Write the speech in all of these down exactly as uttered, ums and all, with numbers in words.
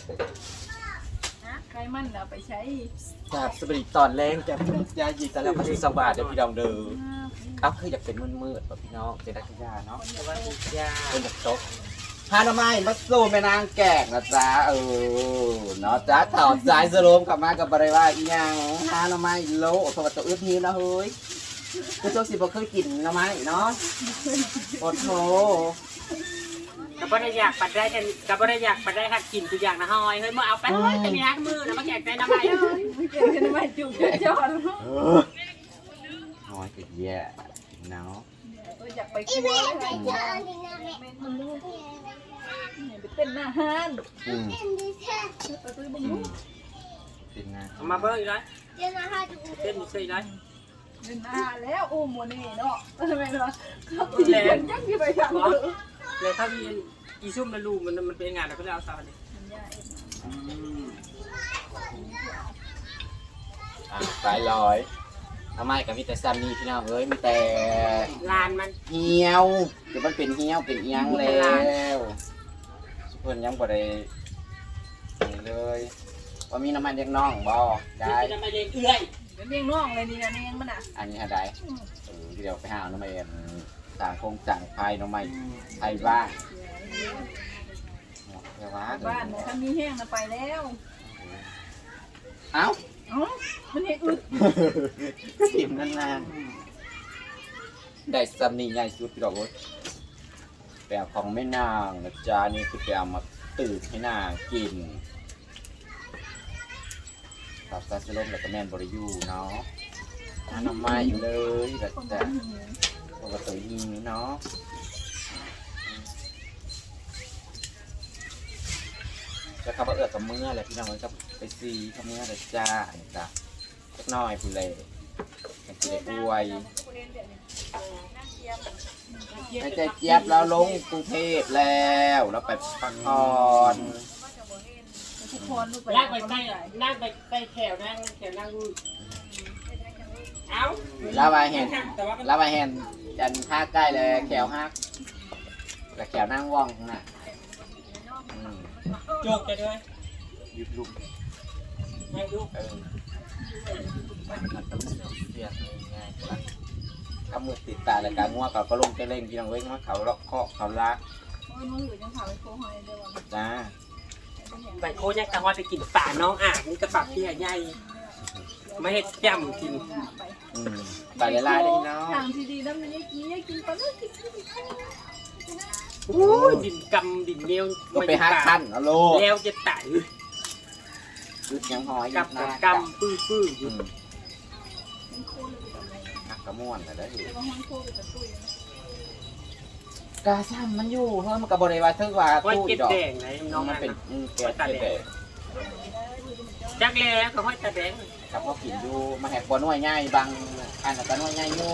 ใครมันเอาไปใช้จากสปริตตอนแรงจากยาหยีแต่แล้วก็สิสบายเดี๋ยวพี่ดองเด้อครับคืออยากเป็นมืดๆแบบพี่น้องเจดักยาเนาะแต่ว่าทุกอย่างเป็นแบบโต๊ะฮานาไม้มาสู้แม่นางแกกนะจ๊ะเออเนาะจ้าถอดสายสโลมกลับมากับบริวารอีหยังฮานาไม้โลสวัสดิ์ตัวอึดหิวนะเฮ้ยคือโจ๊กสิบ่เคยกินหน่อไม้เนาะโอ้โหกับบ่ได้อยากปัดได้กันกับบ่ได้อยากปัดได้ค่ะกินทุกอย่างนะฮอยเฮ้ยมื่อเอาไปเฮ้ยจะมีฮักมือนะมาแจกใจน้ำใหม่เฮ้ยไม่เกินกันไม่จุกจอดเออน้อยก็แย่เนาะตัวอยากไปครัวเลยค่ะมันลูกไปเต้นหน้าห้านอืมไปซื้อบุ้งอืลูมกเป็นไงเอามาเบิ้งอีกแล้วเต้นอยู่ซี่เลยเล่นหน้าแล้วอู้โมนี่เนาะไม่เนาะเขาตีกันยังอยู่ไปทางนู้นเลยถ้ามีอีซุ่มในรูมันมันเป็นงานแล้วก็จะเอาซาวนี่อืมอ่ะสายลอยทำไมกับมีแต่ซันนี่พี่น้องเอ้ยมีแต่ลานมันเหี่ยวเดี๋ยวมันเป็นเหี่ยวเป็นเอียงแล้วสุเพิ่นยังบ่ได้นี่เลยว่ามีน้ำมันยังน้องบ่ได้จะมาเลี้ยงเอื้อยเลี้ยงน้องเลยนี่นะเลี้ยงมันอ่ะอันนี้หาได้เออเดี๋ยวไปหาน้ำมันต่างคงต่างภายน้ำมันไทยบ้างเดี๋ยวว่าบ้านถ้ามีแห้งนะไปแล้วเอ้าอ๋อมันเห็นอึดสิมนานๆได้ซัมนี่ใหญ่สุดพี่ดอกโอ๊ยแปลของแม่นางนะจ๊ะนี่คือแปลมาตื่นให้นางกินตับซาซิลมแล้วก็แม่นบริยูเนาะทานน้ำไม้อยู่เลยแบบแต่ปกติยิงเนาะจะขับเอือกกับเมื่อแหละพี่น้องมันก็ไปซีกับเมื่อเลยจ้าเนี่ยจ้ะสักหน่อยพูเลยมันจะได้อวยไม่ใจเจี๊ยบแล้วลงกรุงเทพแล้วแล้วไปพักผ่อนทุกคนลูกไปนั่งไปใต้นั่งไปใต้แถวนั่งแถวนั่งดูเอ้าลาวาเห็นแต่ว่ามันลาวาเห็นยันท่าใกล้เลยแขวฮักแต่แขวนั่งว่องน่ะอืมโจกจะด้วยยุดลุกให้ดูเออเสียง่ายๆละกำมือติดตาแล้วการงัวกับก็ลงจะเล่งพี่น้องเว้ยว่าเขาเลาะเคาะเขาลักโอ้ยน้องอยู่ยังพาไปโค้งหอยเดียวจ้าไปโคยักตะวันไปกินป่าน้องอ่างนี่กระปักที่ใหญ่ไม่เห็ดแจ่มกินไปอืมตาลายๆได้เนาะทางที่ดีแล้วมันยังกินยังกินปลาลูกกินกินโอ้ยดินกำดินเลี้ยวก็ไปฮักขั้นเอาโลแล้วจะไต่ยุดยังหอยกัยุบดหน้ากำปื้อปื้อออืยู่มฮักกระม่วนแต่ได้อยู่แต่ว่าห้องโค้งเป็นตุ้ยกาซ้ำมันอยู่เพิ่มมันกับบริวารเท่าว่าว่าตู้เก็บดอกแดงไหนน้องมัมัน นเป็นอืมแก๊สแดงจักแล้วก็ห้อยตาแดงครับพ่อกินอยู่มาแหกบอลน้อยง่ายบางอันนั้นก็น้อยง่ายอยู่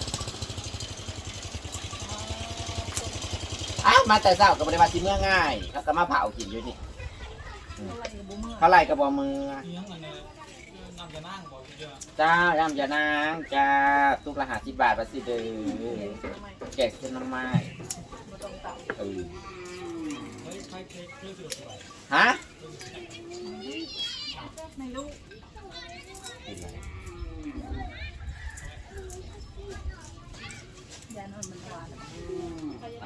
อ้าวมาแต่เช้ากับบริวารที่เมื่อง่ายแล้วก็มาเผากินอยู่นี่อะไรบุ้มเมื่อเท่าไรกับบอมือเลี้ยงอันนี้นำจะนั่งบอกเยอะจ้าย่ำยานางจ้าตุกละหาสิบบาทภาษีเด้อแกะเส้นน้ำไม้มาตรงเต่าเออเฮ้ยใครเคยเคยสุดสวยฮะไม่รู้ยานอนมันหวานไหน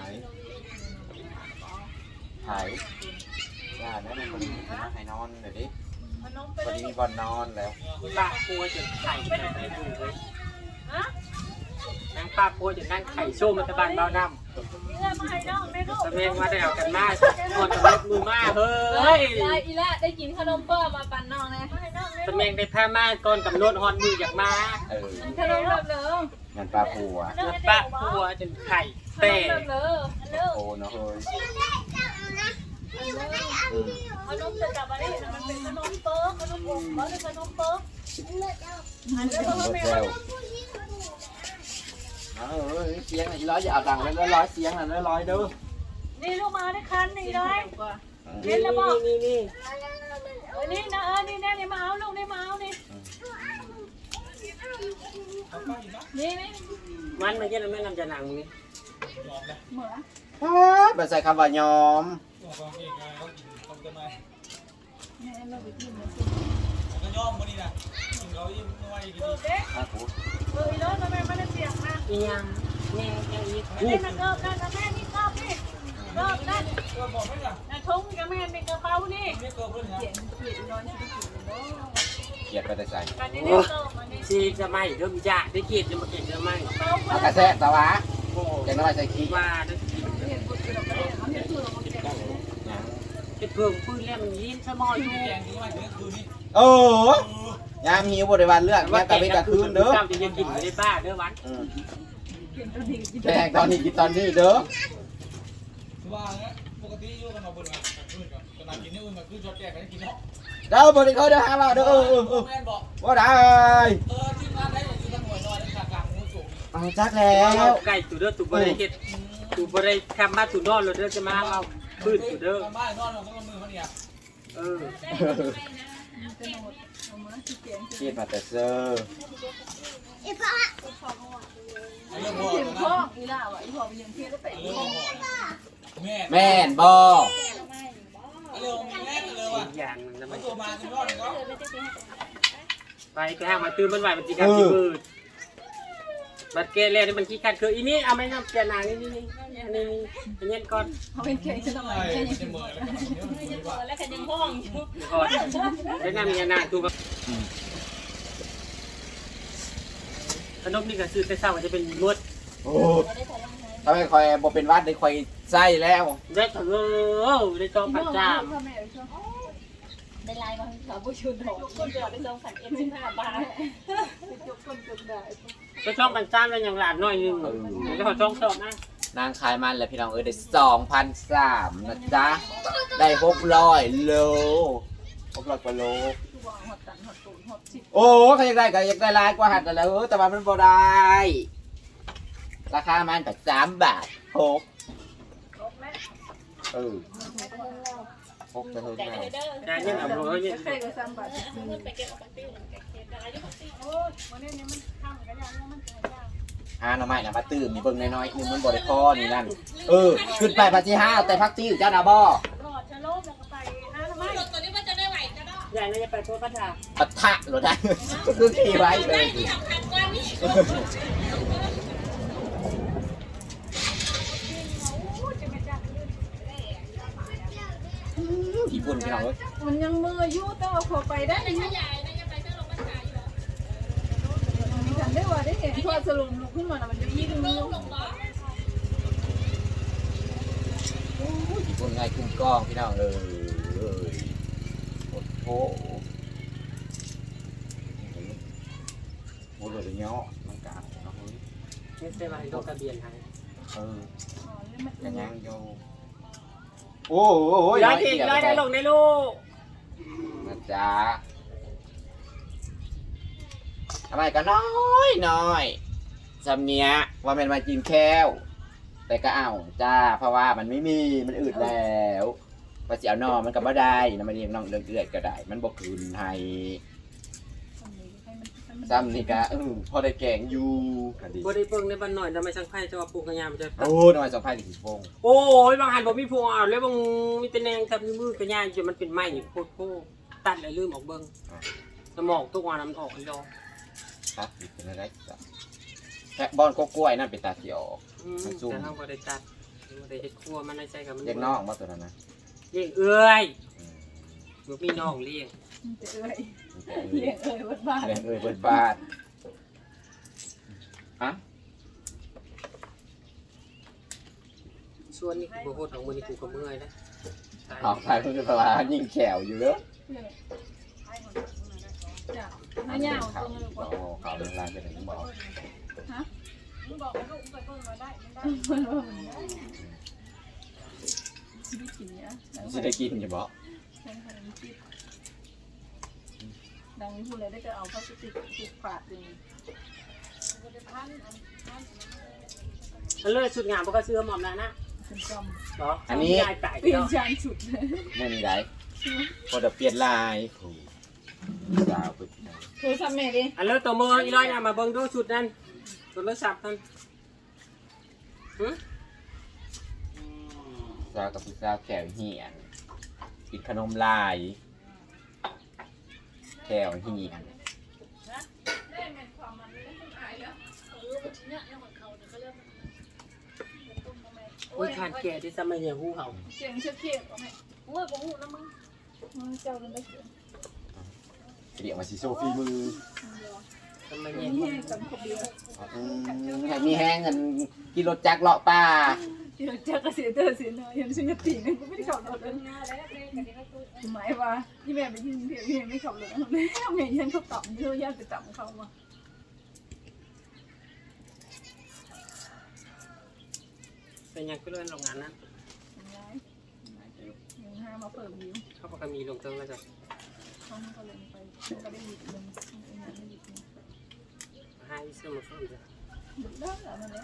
ไถ่จ้าแล้วมันคนนี้นะให้นอนเดี๋ยวดิวันนี้มีบอลนอนแล้วป้าปัวจะไข่ไปดูเลยนางป้าปัวจะนั่งไข่โซ่มันตะบันเบาน้ำตะเมงมาได้เอากันมากหมดกับมือมากเฮ้ยได้อีละได้กินขนมเปิ้ลมาปั่นน้องนะตะเมงได้ผ้าม่านก่อนกับนวดฮอนมืออยากมาเออขนมแบบเหลองานปลาปูอ่ะแล้วป้าปัวจนไข่ขนแต่มแบบเหลอโอ้เนาะเฮ้ยอืมขนมจะจับอะไรมันเป็นขนมเปิ๊กขนมอบมันเป็นขนมเปิ๊กมันจะรถเซลเออเสียงอีร้อยอย่าเอาดังเลยร้อยเสียงน่ะร้อยเด้อนี่ลูกมาได้คันนี่เลยนี่นี่นี่เออนี่นะเออนี่แน่นี่มาเอาลูกนี่มาเอานี่นี่นี่มันไม่ใช่แล้วแม่นำจะหนังนี่ยอมเลยเหมือแบบใส่คำว่ายอมตัวความเก่งไงเขากินเขาจะมาแม่เราไปกินมาสิก็ย่อมวันนี้นะกินเขายิ่งน้อยดีเออเด็กครับผมเออแล้วทำไมไม่ได้เสียงนะอีหยังแง่แง่อีกเล่นนะเกิบนั่นนะแม่นี่เกิบนี่เกิบนั่นเออบอกไม่ได้นะทุ่งกับแม่ในกระเป๋านี่ไม่เกินเพื่อนนะเขียนเขียนนอนที่เขียนเนาะเกลียดไปแต่ใส่การนี้เนี่ยเกิบมาเนี่ยชีจะไม่เริ่มยากได้เกียรติจะมาเก่งจะไม่เป้าเอาเพื่กระแทกตะวะโอ้จะน้อยใส่ขี้ว่าได้เขียนบทเกี่ยวกับเรื่องเขาเขียนตัวเราเขียนยังเป็นเพิ่มปืนแล้วมันยินสมออยู่แกงที่ว่าเนื้อคืนนี้เออยามหิวบริวารเลือกแม่ตะเบกะคืนเด้อเจ้าจะยังกินไม่ได้บ้าเด้อวันอืมเขียนตัวนี้กินแดงตอนนี้กินตอนนี้เด้อคือว่าเนี่ยปกติอยู่กันมาบนกันคืนกันขนาดกินนี่อื่นก็คือจอดแจกกันกินเนาะเด้อบริเขาเด้อฮะว่าเด้อเออเออเออแม่บอกว่าได้เออที่งานได้อย่างที่ตั้งหน่วยน้อยแล้วกลางงูจุกเอาจักแล้วไก่ตัวเด้อตัวบริเกตตัวบริคำมาตัวนอนเราเด้อจะมาเอาปืนตัวเด้อบ้านนอนเราก็มือเขาเนี่ยเออจะโน้ตเอามาที่เขียนคิดมาแต่เซอร์เรื่องพ่อเขียนนะพ่ออีล่าว่ะอีพ่อไปยังเขียนแล้วไปเรื่องพ่อแม่แม่นบ่เรื่องแม่เลยว่ะอย่างนึงนะมัมัน นตัวมาเป็นยอดเลยเนาะไปก็ห้างมาตื้อมันไหวมันจีกันจีบืดบัดเกลียนี่มันขี้ขัดคืออีนี่เอาไม่น้ำเกลียนางนี่นี่นี่นี่เป็นเงี้ยก่อนเขาเป็นเขียนฉันทำไมใช่เขียนจะมือแล้วก็เดี๋ยวมือว่าแล้วกันยังห้องอยู่ก่อนได้น้ำมีนางตัวขนมนี่ก็ซื้อแต่เช้าจะเป็นนวดโอ้ทำไมคอยบ่เป็นวัดได้คอยไส้แล้วได้เถอะได้จองผัดจามพ่อแม่ชอบได้ไลน์มาสาวผู้ชุนหอคนเดียวได้จองขันเอ็มสิบห้าบาทจุกคนจุกได้ก็ช่องผัดจามแล้วอย่างหลานน้อยนึงแล้วเขาช่องชอบนะนางขายมันแล้วพี่น้องเอ้ยได้สองพันสามนะจ๊ะได้หกร้อยโลหกร้อยกว่าโลตัวหอดตันหอดตูนหอดชิดโอ้เขาอยากได้ก็อยากได้หลายกว่าหัดนั่นแหล้วเออแต่ว่ามันบ่ได้ ราคามันแต่สามบาทหกครบแล้วเออหกจะเท่าไหร่แต่ยังเอาเลยเนี่ยใครก็ซ้ำบาทไปเก็บเอาปติ้วเก็บเก็บได้ยุติโอ้ยวันนี้นี่มันข้ามกันยังมันจะยากห้าหน่อไม้นะมาตื่มมีเบิ่งน้อยๆนึงมันบ่ได้พอนี่นั่นเออขึ้นไปพันที่ห้าแต่พักติ้วเจ้านาบ่รอดจะล้มแล้วก็ไปนะทำไมยายน่าจะไปโพสต์พัทยาปะทะหรอได้คือขี่ไว้เลยญี่ปุ่นพี่น้องเอ้ยมันยังมือยุ่แต่ว่าพอไปได้ยุ่มีฉันได้ว่าได้เห็นพอสรุปลุกขึ้นมาแล้วมันจะยิ่งลุ่มญี่ปุ่นไงคุ้มกล้องพี่น้องเอ้ยโอ้โหโอ้โหเดี๋ยวเนาะมันกลางเนาะเฮ้ยไม่ใช่ว่าให้ลงทะเบียนให้เอออ๋อนี่มันกันยังโยโอ้โหย้ายทีย้ายได้ลงได้ลูกนะจ๊ะทำไมก็น้อยน้อยจำเนี้ยว่าเป็นมากินแค้วแต่ก็เอาจ้าเพราะว่ามันไม่มีมันอืดแล้วภาษีเอานอมันก็บ่ได้นะมันเรียงน้องเลือดเลือดก็ได้ มันบ่คืนให้ซ้ำนี่ก็เออพอได้แกงอยู่ก็ดีบริเปิงในบ้านหน่อยทำไมช่างไพ่จะว่าปลูกกระยามจะโอ้ทำไมสองพันสี่สิบพงโอ้ยบางหันบอกมีพวงเอาแล้วบางมีแต่แนงทำมือกระยามจนมันเป็นไม้โคตรโคตัดเลยลืมออกเบิ้งสมองทุกวันมันออกอีดอกครับเป็นอะไรจ้ะแค่บอนก็กล้วยนั่นเป็นตาเขียวแต่ทางบริษัทบริเฮ็ดครัวมันในใจกับมันเรียกน้องมาตัวนั้นนะเลี้ยงเอ้ยลูกมีน้องเลี้ยงจะเอ้ยเลี้ยงเอ้ยวัดบ้านเรียกเอ้ยเปิดบ้านฮะส่วนนี้กูโคตรของมือนี่กูก็เมื่อยนะออกไปเพื่อนพลายิงแขวอยู่เลยจ้ะน้าเหยาเขาตรงนี้ก่อนเขาเป็นลายเป็นอะไรบอกฮะมึงบอกว่าลูกไปเพิ่งมาได้ไม่ได้มันว่ามันได้ชีวิตกินเนี่ยจะได้กินอย่าบอกใช่ค่ะมันคิดดังนี้พูดเลยได้ก็เอาพลาสติกติดฝาดเลยมันเลยสุดงามเพราะก็ซื้อหมอมแล้วนะเป็นจหรออันนี้ยายตายำเปลี่ยนเนาะจานฉุดเลยไม่มีไรพอเดี๋ยวเปลี่ยนลายโอ้สาวไปที่ไหนโทรศัพท์แม่ดิอันเลิศตัวมืออีร้อยนะมาเบิ่งดูชุดนั้นตัวเลิศสับนั่นหือสาวกับผู้สาวแขวเหียนกินขนมลายแก้วเฮียนอุ้ยขาดแก่ที่สมัยเนี่ยหูเขาเสียงเชี่ยวเชี่ยวไหมโอ้ยบ่หูแล้วมึงมึงเจ้าเรื่องได้เสียงเดี๋ยวมาสิโซฟีมือสมัยมีเนี่ยแห้งสำคัญเดียวอืมให้มีแห้งเงินกิโลจักรเลาะป่าที่เราจะกระเสียเตอร์เสียเนาะยังซึ่งจะตีนึงก็ไม่ได้ขับรถเลยหมายว่าที่แม่ไปยิงเพียงเพียงไม่ขับรถแล้วแม่แม่ยันเขาต่ำเยอะแยะไปต่ำเขามาเป็นยังก็เลื่อนโรงงานนั้นยังห้ามาเปิดวิวเขาบอกว่ามีลงเติมแล้วจ้ะเขาก็เลยไปก็ได้หยิบเงินไม่หยิบเงินให้เสื้อมาเพิ่มจ้ะหยุดได้แล้วนั่นแหละ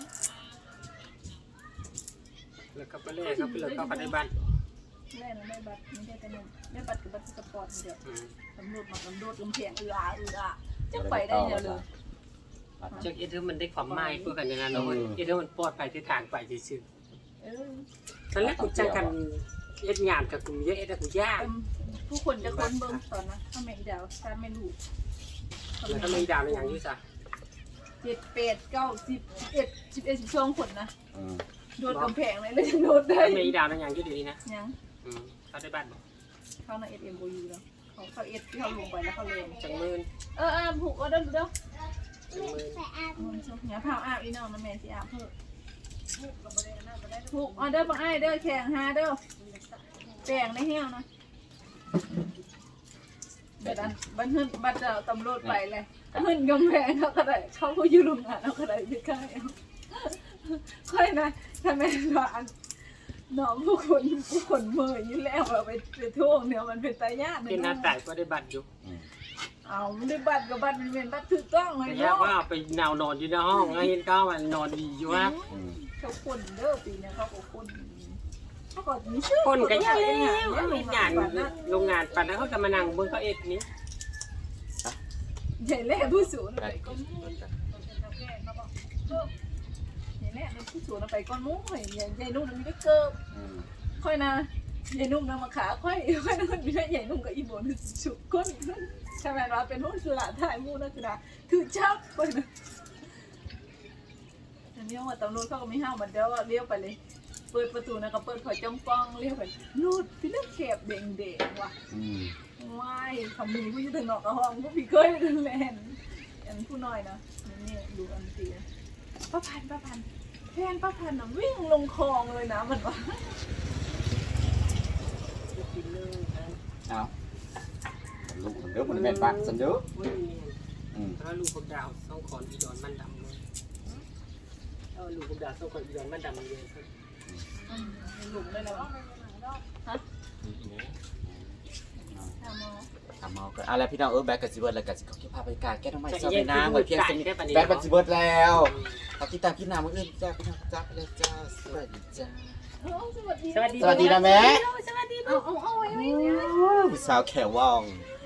แล้วก็ไปเล่เขาไปเลยเข้าไปในบ้านแม่ได้บัตรไม่ได้แต่เงินได้บัตรกับบัตรสปอร์ตเดียวอืมตำรวจมาตำรวจลงเพียงเอืออาเอืออาจะไปได้เดียวเลยเจ้าเอเธอมันได้ความหมายเพื่อกันอย่างนั้นเนาะเอเธอมันปลอดภัยที่ทางไปซื่อเออๆตอนแรกกูจังกันเอ็ดงานกับกูเยอะเอ็ดกูยากผู้คนจะคนเบิ่งตอนนะถ้าไม่ดาวถ้าไม่รู้แล้วก็ไม่ดาวในอย่างนี้จ้ะเจ็ดแปดเก้าสิบสิบเอ็ดสิบเอ็ดสิบสองคนนะอืมโดดกำแพงเลยเลยโดดได้ไม่ดาวในอย่างนี้ดีนะยังอืมเขาได้บ้านบอกเข้าในเอสเอ็มโอยูแล้วเขาเขาเอสที่เขาลงไปแล้วเขาเลยจังมืนเออเออผูกเอาเด้อเด้อจังมืนมันชอบเนี่ยพาอาบอีน้องนะแม่สิอาบเพิ่มผูกเอาเด้อบังไอ้เด้อแข่งหาเด้อแป้งในเหี้ยวนะบัดอันบัดหึ่นบัดจะตำรวจไปเลยหึ่นกำแพงเขาก็ได้เขาก็อยู่โรงงานเขาก็ได้ไม่ใกล้ค่อยนะถ้าแม่ว่าอันน้องผู้คนผู้คนเมื่อยอยู่แล้วเราไปไปท่วงเนี่ยมันเป็นตายากเป็นหน้าตายก็ได้บัตรอยู่เอาไม่ได้บัตรกับบัตรมันเป็นบัตรถูกต้องเลยแต่ยาเนาะกว่าไปนาวนอนอยู่ในห้องแล้วเห็นก้าวมันนอนดีอยู่ฮะอืมเขาคนเด้อปีนี้เขาก็คนเขาก็มีชื่อคนก็ยากเลแล้ยวเขามีงานโรงงานปันแล้วเขาจะมานั่งบนเขาเอ็ดนี้ใหญ่แล่ผู้สูงไปก้อนมูใหญ่แล่ผู้สูงไปก้อนมูใหญ่ใหญ่นุ่มมีได้เกิบอืมค่อยนะใหญ่นุ่มนำมาขาค่อยค่อยนั่นมีได้ใหญ่นุ่มกับอีโบนสุกก้นใช่ไหมเราเป็นหุ้นสุราถ่ายมูนักกีฬาถือชับไปนะอันนี้ว่าตำรวจเขาก็ไม่ห้ามมันเดี๋ยวเลี้ยวไปเลยเปิดประตูนะก็เปิดถอยจ้องป้องเลี้ยวไปนูดพี่นึกแคบเด้งเด้งว่ะอืมว้ายคำนี้ผู้ยืนถึงนอกกระห้องผู้พี่เคยเล่นอันผู้น้อยนะนี่ดูอันตีป้าพันป้าพันแทนป้าพันน่ะวิ่งลงคลองเลยนะมันว่าเอาลูกมันเด้อมันเป็นปากสันเด้ออืมแล้วลูกพวกดาวต้องขอนอีดอนมันดำเลยเอาลูกพวกดาวต้องขอนอีดอนมันดำเลยหลุมเลยนะฮะทำมอทำเอาก็อะไรพี่น้องเออแบกกับซิเบิร์ดแล้วกับซิเขาเก็บภาพบรรยากาศแก้ทำไมเศร้าไปน้ำเหมือนเพียงสนิทแบกกับซิเบิร์ดแล้วเขาติดตามกินน้ำมื้ออื่นจ้าพี่น้องจ้าไปเลยจ้าสวัสดีจ้าสวัสดีสวัสดีสวัสดีนะแม่สวัสดีเอาเอาเอาไว้ไว้พี่สาวแขวว่องเ